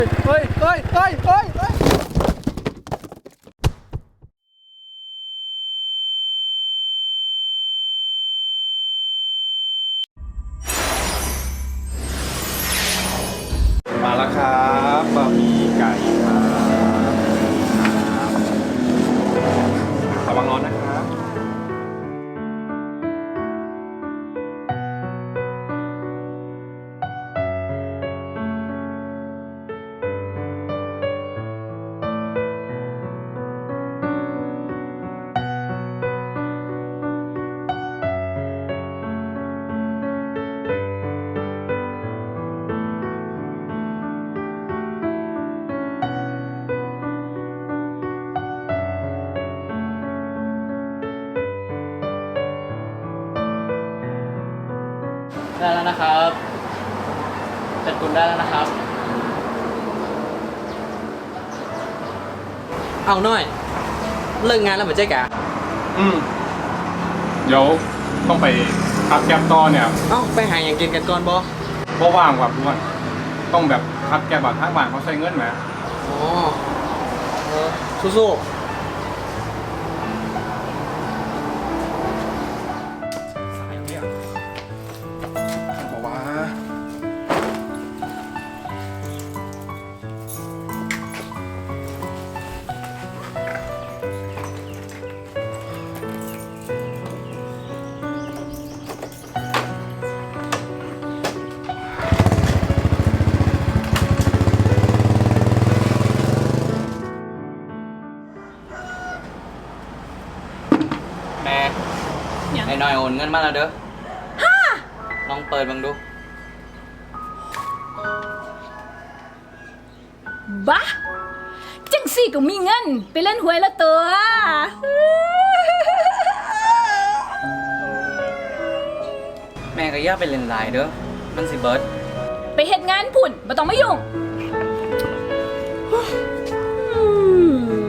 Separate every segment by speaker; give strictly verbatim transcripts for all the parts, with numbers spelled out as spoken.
Speaker 1: เฮ้ยเฮ้ยเฮ้ยเฮ้ยเฮ้ย
Speaker 2: มาแล้วครับบะหมี่ไก่ครับระวังร้อนนะครับ
Speaker 3: ได้แล้วนะครับจัดกุลได้แล้วนะครับเอาหน่อยเลิกงานแล้วเหมือนเจ๊กะ
Speaker 2: อืมเดี๋ยวต้องไปพักแก๊บต่อเนี่ย
Speaker 3: เอ้าไปหาอย่างกินกันก่อนบอ
Speaker 2: เพราะว่างว่ะทุกคนต้องแบบพักแก๊บแบบทางบ้านเขาใช้เงินไหม
Speaker 3: อ๋อเออสู้ๆ
Speaker 2: สายเนี่ยบอกว่า
Speaker 3: แม่ไอ้หน่อยโอนเงินมาแล้วเด้อลองเปิดบังดู
Speaker 4: บ้าจังสี่ก็มีเงินไปเล่นหวยละตัว
Speaker 3: แม่ก็อย่าไปเล่นไลน์เด้อมันสิเบิร์ด
Speaker 4: ไปเฮ็ดงานพุ่นบ่ต้องมายุ่งอืม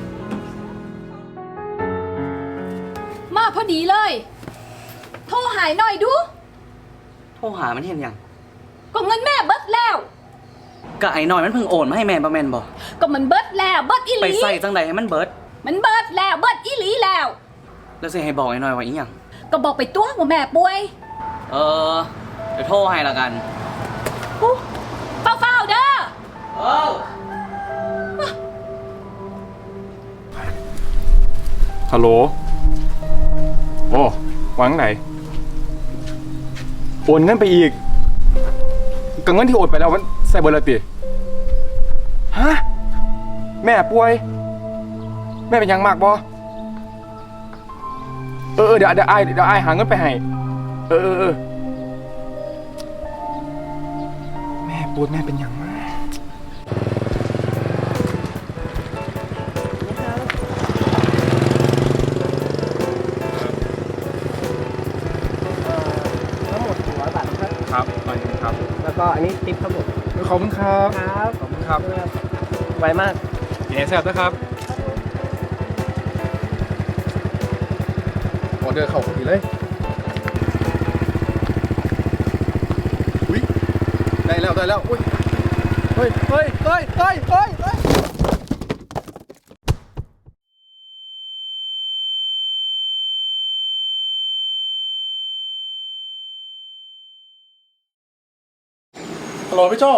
Speaker 4: มาพอดีเลย โทรหายหน่อยดู
Speaker 3: โทรหามันเห็นยัง
Speaker 4: ก็เงินแม่เบิดแล้ว
Speaker 3: ก็ไอ้หน่อยมันเพิ่งโอนมาให้แม่ประแมนบ่
Speaker 4: ก็มันเบิดแล้วเบิดอีห
Speaker 3: ไป
Speaker 4: ลี
Speaker 3: ใส่จังใดให้มันเบิร์ด
Speaker 4: มันเบิดแล้วเบิดอีหลีแล้ว
Speaker 3: แล้วสิให้บอกไอ้หน่อยว่าอีหยัง
Speaker 4: ก็บอกไปตัวว่าแม่ป่วย
Speaker 3: เออเดี๋ยวโทรให้ละกัน
Speaker 4: อู้เฝ้าๆเด้อ
Speaker 3: เออ
Speaker 2: ฮัลโหลโอ้วางไหนโอนเงินไปอีกกับเงินที่โอนไปแล้วมันใส่เบอร์ละติฮะแม่ป่วยแม่เป็นยังมากบ่เออเดี๋ยวเดี๋ยวไอเดี๋ยวไอหาเงินไปให้เออเออเออแม่ปวดแม่เป็นยังมาก
Speaker 1: ทั้งหมดหนึ่งร้อยบาทครับ
Speaker 2: ครับไปครับ
Speaker 1: แล้วก็อันนี้ทิปครับผม
Speaker 2: ขอบคุณครับ
Speaker 1: ครับ
Speaker 2: ขอบคุณครับ
Speaker 1: ไวมาก
Speaker 2: ยินดีแซ่บนะครับออเดอร์เข้าพอดีเลยอุ้ยได้แล้วได้แล้วอุ้ยเฮ้ยเฮ้ยเฮ้ยเฮ้ยเฮ้ยเฮ้ยฮัลโหลพี่โจ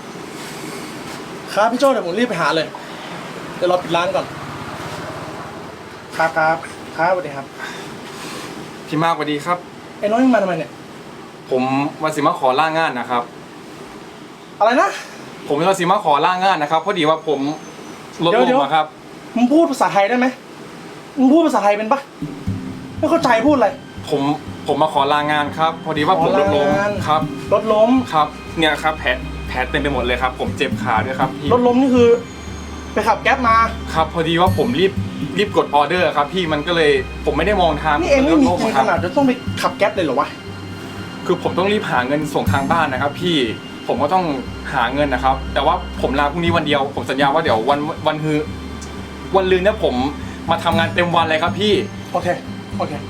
Speaker 2: ครับพี่โจเดี๋ยวผมรีบไปหาเลยเดี๋ยวรอปิดร้านก่อนครับครับครับสวัสดีครับ
Speaker 5: พี่มากสวัสดีครับ
Speaker 1: ไอ้น้อยมึงมาทำไมเนี่ย
Speaker 5: ผมวันสิมาขอล่างานนะครับ
Speaker 1: อะไรนะ
Speaker 5: ผมวันสิมาขอล่างานนะครับพอดีว่าผมลด
Speaker 1: เดี๋
Speaker 5: ล
Speaker 1: ยวเดี๋ยว
Speaker 5: งมาครับ
Speaker 1: มึงพูดภาษาไทยได้ไหมมึงพูดภาษาไทยเป็นปะไม่เข้าใจพูดอะไร
Speaker 5: ผมผมมาขอลางานครับ พอดีว่าผม
Speaker 1: ขอ
Speaker 5: ล
Speaker 1: ลา
Speaker 5: ดลง
Speaker 1: งาน
Speaker 5: ครับ
Speaker 1: รถล้ม
Speaker 5: ครับเนี่ยครับแผลแผลเต็มไปหมดเลยครับ ผมเจ็บขาด้วยครับพี่
Speaker 1: รถล้มนี่คือ ไปขับแก๊ปมา
Speaker 5: ครับ พอดีว่าผมรีบรีบกดออเดอร์ครับพี่มันก็เลยผมไม่ได้มองทาง
Speaker 1: นี่เองไม่มี
Speaker 5: ผ
Speaker 1: เงิน
Speaker 5: ค
Speaker 1: ข
Speaker 5: รับ
Speaker 1: นาดจะต้องไปขับแก๊ปเลยเหรอวะ
Speaker 5: คือผมต้องรีบหาเงินส่งทางบ้านนะครับ พี่ผมก็ต้องหาเงินนะครับ แต่ว่าผมลาพรุ่งนี้วันเดียว ผมสัญญาว่าเดี๋ยววันวันคือวันลืนเนี่ยผมมาทำงานเต็มวันเลยครับพี่
Speaker 1: โอเค โอเค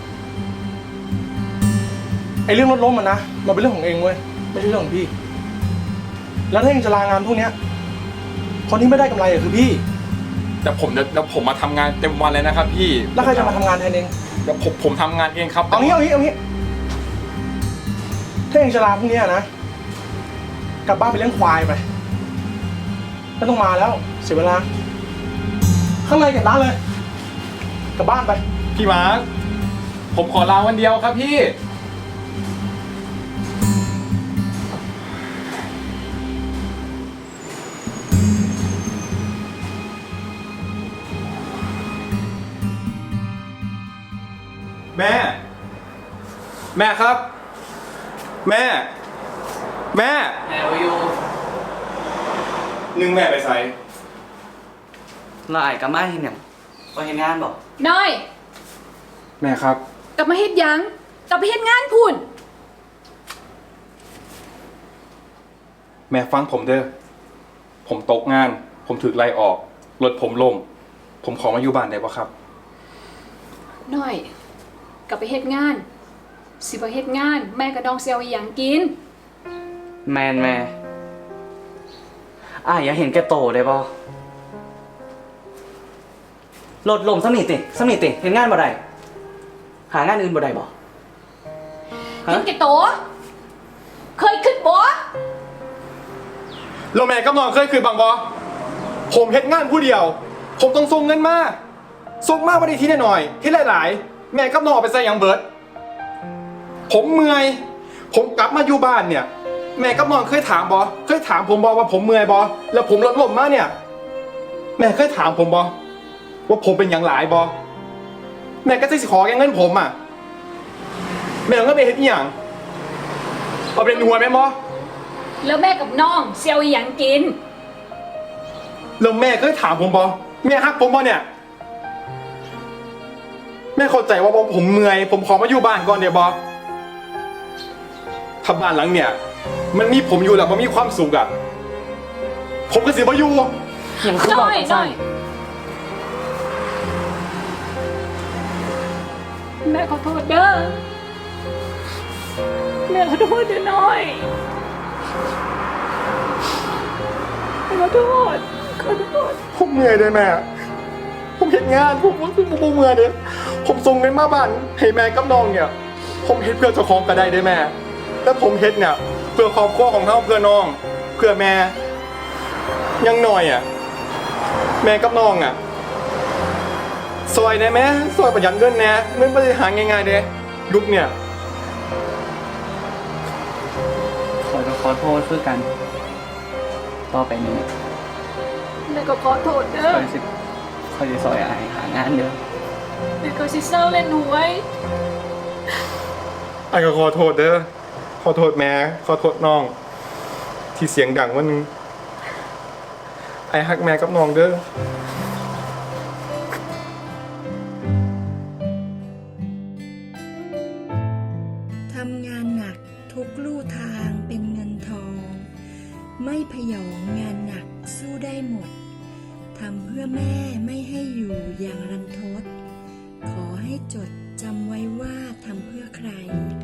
Speaker 1: ไอเรื่องรถล้มมันนะ มันเป็นเรื่องของเองเว้ย ไม่ใช่เรื่องของพี่ แล้วถ้าเองจะลางานพวกเนี้ยคนที่ไม่ได้กำไรอะคือพี่
Speaker 5: แต่ผมเดี๋ยวเดี๋ยวผมมาทำงานเต็มวันเลยนะครับพี่
Speaker 1: แล้วใครจะมาทำงานแทนเอง
Speaker 5: เดี๋ยวผมผมทำงานเองครับ
Speaker 1: เอางี้เอางี้เอางี้ถ้าเองจะลาพรุ่งนี้นะกลับบ้านไปเลี้ยงควายไปไม่ต้องมาแล้วเสียเวลาข้างในเก็บร้านเลยกลับบ้านไป
Speaker 5: พี่มาร์คผมขอลาวันเดียวครับพี่ แม่ แม่ครับ แม่ แม่
Speaker 3: แม่วายู
Speaker 5: นึ่งแม่ไปใส่
Speaker 3: เราไอ้กับมาเห็นหยังว่าเห็นงานบอก
Speaker 4: น้อย
Speaker 5: แม่ครับ
Speaker 4: กลับมาเฮ็ดหยังกลับไปเฮ็ดงานพุ่น
Speaker 5: แม่ฟังผมเด้อ ผมตกงาน ผมถูกไล่ออก รถผมล่ม ผมขอมาอยู่บ้านได้ปะครับ
Speaker 4: น้อยกลับไปเฮ็ดงาน สิบ่เฮ็ดงาน แม่กับน้องสิเอาอีหยังกิน
Speaker 3: แมนแม่อ้ายอย่าเห็นแกโตได้ป่รถลมสำนิติสำนิติเห็นงานบ่ได้หางานอื่นบ่ได้บ่
Speaker 4: เห็นแก่โตวเคยขึ้นบ่
Speaker 5: โรแมนกับน้องเคยคืนบางบอผมเฮ็ดงานผู้เดียว ผมต้องส่งเงินมาส่งมาวันนี้ทีหน่อยๆที่หลายๆ แม่กับน้องเอาไปใส่หยังเบิด ผมเมื่อย ผมกลับมาอยู่บ้านเนี่ย แม่กับน้องเคยถามบอเคยถามผมบอว่าผมเมื่อยบอแล้วผมลดลมมาเนี่ย แม่เคยถามผมบอว่าผมเป็นอย่างหลายบอแม่ก็จะสิขอแกเงินผมอ่ะ แม่ต้องก็ไปเฮ็ดอีหยังเอาเป็นหัวแม่บอ
Speaker 4: แล้วแม่กับน้องสิเอาอีหยังกิน
Speaker 5: แล้วแม่เคยถามผมบอแม่ฮักผมบอเนี่ย แม่เข้าใจว่าผมเมื่อย ผมขอมาอยู่บ้านก่อนเดี๋ยวบอถ้าบ้านหลังเนี่ย มันมีผมอยู่แล้วมันมีความสุขอะผมก็สิมาอยู่
Speaker 3: ยังคือบอก
Speaker 4: น้อย
Speaker 3: จัง
Speaker 4: น้
Speaker 3: ซั่
Speaker 4: อน ยแม่ขอโทษเด้อแม่ขอโทษเด้อน้อยแม่ขอโทษขอโทษ
Speaker 5: ผมเมื่อยเลยแม่ ผมเห็นงานผมผมผมเมื่อยเลยผมส่งเงินมาบ้านให้แม่กับน้องเนี่ย ผมเฮ็ดเพื่อเจ้าของก็ได้ได้แม่แล้วผมเฮ็ดเนี่ยเพื่อครอบครัวของเขาเพื่อน้อง เพื่อแม่ ยังหน่อยอ่ะ แม่กับน้องอ่ะซอยได้ไหมซอยประหยัดเงินแน่เงินไม่ได้หาง่ายๆเด้ยุคเนี่ย
Speaker 3: ขอขอโทษคือกัน ต่อไปนี้
Speaker 4: แม่ก็ขอโทษเด้อ
Speaker 3: คอยสิคอยสิซอยอ้ายหางานเด้อ
Speaker 4: แม่ก็สิเศร้าเล่นหวย
Speaker 5: ไอ้ก็ขอโทษเด้อ ขอโทษแม่ ขอโทษน้อง ที่เสียงดังวันนึง ไอ้ฮักแม่กับน้องเด้อ
Speaker 6: ทำงานหนักทุกลู่ทางเป็นเงินทอง ไม่พยองงานหนักสู้ได้หมด ทำเพื่อแม่ไม่ให้อยู่อย่างรันทด ขอให้จดจำไว้ว่าทำเพื่อใคร